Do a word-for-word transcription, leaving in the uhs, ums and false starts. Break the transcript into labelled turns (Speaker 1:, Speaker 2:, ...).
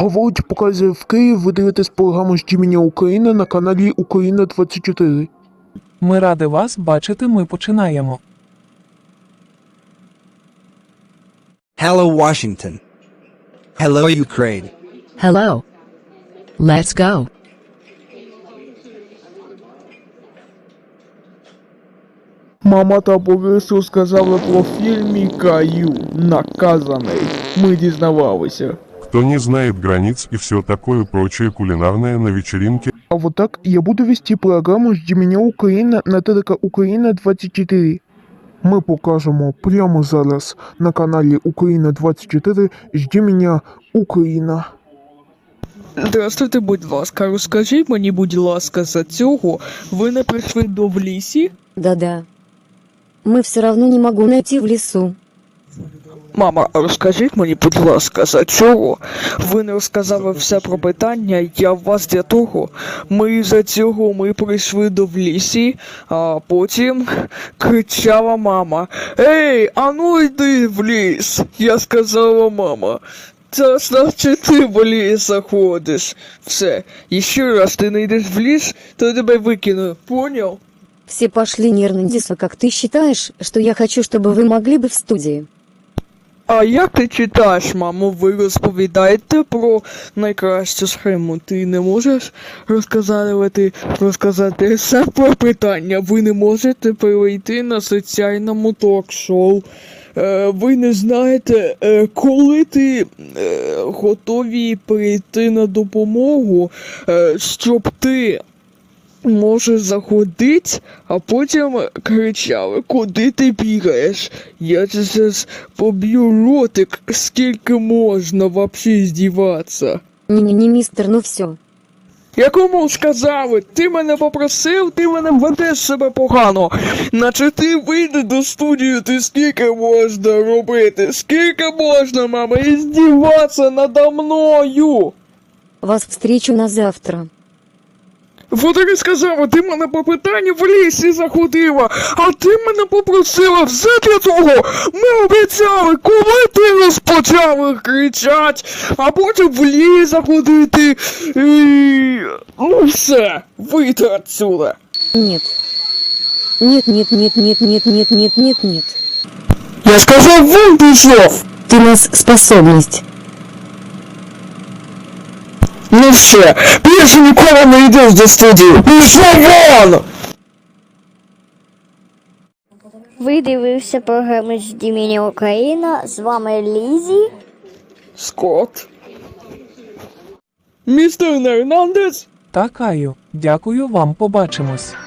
Speaker 1: Говорить, показує в Київ, ви дивитесь програму «Ждімення Україна» на каналі Україна двадцять чотири.
Speaker 2: Ми раді вас бачити, ми починаємо.
Speaker 3: Hello, Washington. Hello, Ukraine.
Speaker 4: Hello. Let's go.
Speaker 1: Мама та Борис розказали про фільм «Каю. Наказаний». Ми дізнавалися.
Speaker 5: Кто не знает границ и все такое прочее кулинарное на вечеринке.
Speaker 1: А вот так я буду вести програму «Ждімення Україна» на ТРК Україна двадцять чотири. Ми покажемо прямо зараз на каналі Україна двадцять чотири «Ждімення Україна».
Speaker 6: Здравствуйте, будь ласка, розкажіть мені, будь ласка, за цього ви не прийшли до в лісі?
Speaker 7: Да-да. Мы все равно не могу найти в лесу.
Speaker 6: Мама, розкажіть мені, будь ласка, за цього ви не розказали все про питання, я в вас для того. Ми за цього ми прийшли до в лісі, а потім кричала мама: «Ей, а ну йди в ліс!» Я сказала: «Мама, це значить ти в ліс заходиш. Все, і ще раз ти не йдеш в ліс, то я тебе викину, понял?»
Speaker 7: Все пошли нервно. Диса, как ты считаешь, что я хочу, чтобы вы могли бы в студии?
Speaker 6: А як ти читаєш, мамо? Ви розповідаєте про найкращу схему. Ти не можеш розказати, розказати все про питання. Ви не можете перейти на соціальному ток-шоу. Е, ви не знаєте, е, коли ти е, готові прийти на допомогу, е, щоб ти може заходить, а потім кричали: «Куди ти бігаєш? Я зараз поб'ю ротик, скільки можна вообще здіватися».
Speaker 7: Не-не-не, мистер, ну все.
Speaker 6: Я кому сказали? Ти мене попросив, ти мене ведеш себе погано. Наче ти вийди до студії, ти скільки можна робити? Скільки можна, мама, і здіватися надо мною?
Speaker 7: Вас встречу на завтра.
Speaker 6: Вот і сказала, ти мене по питанню в лісі заходила, а ти мене попросила все для того. Ми обіцяли, коли ти розпочали кричать, а потім в ліс заходити і... Ну все, вийди отсюда.
Speaker 7: Нет. Нет, нет, нет, нет, нет, нет, нет, нет, нет.
Speaker 6: Я сказав, вон пішов.
Speaker 7: Ты нас способность.
Speaker 6: Ну все, більше ніколи не йдеш до студії. Пішов вон!
Speaker 8: Ви дивився програму «Ждімення Україна». З вами Лізі.
Speaker 6: Скотт. Містер Нернандес.
Speaker 2: Та Каю, дякую вам, побачимось.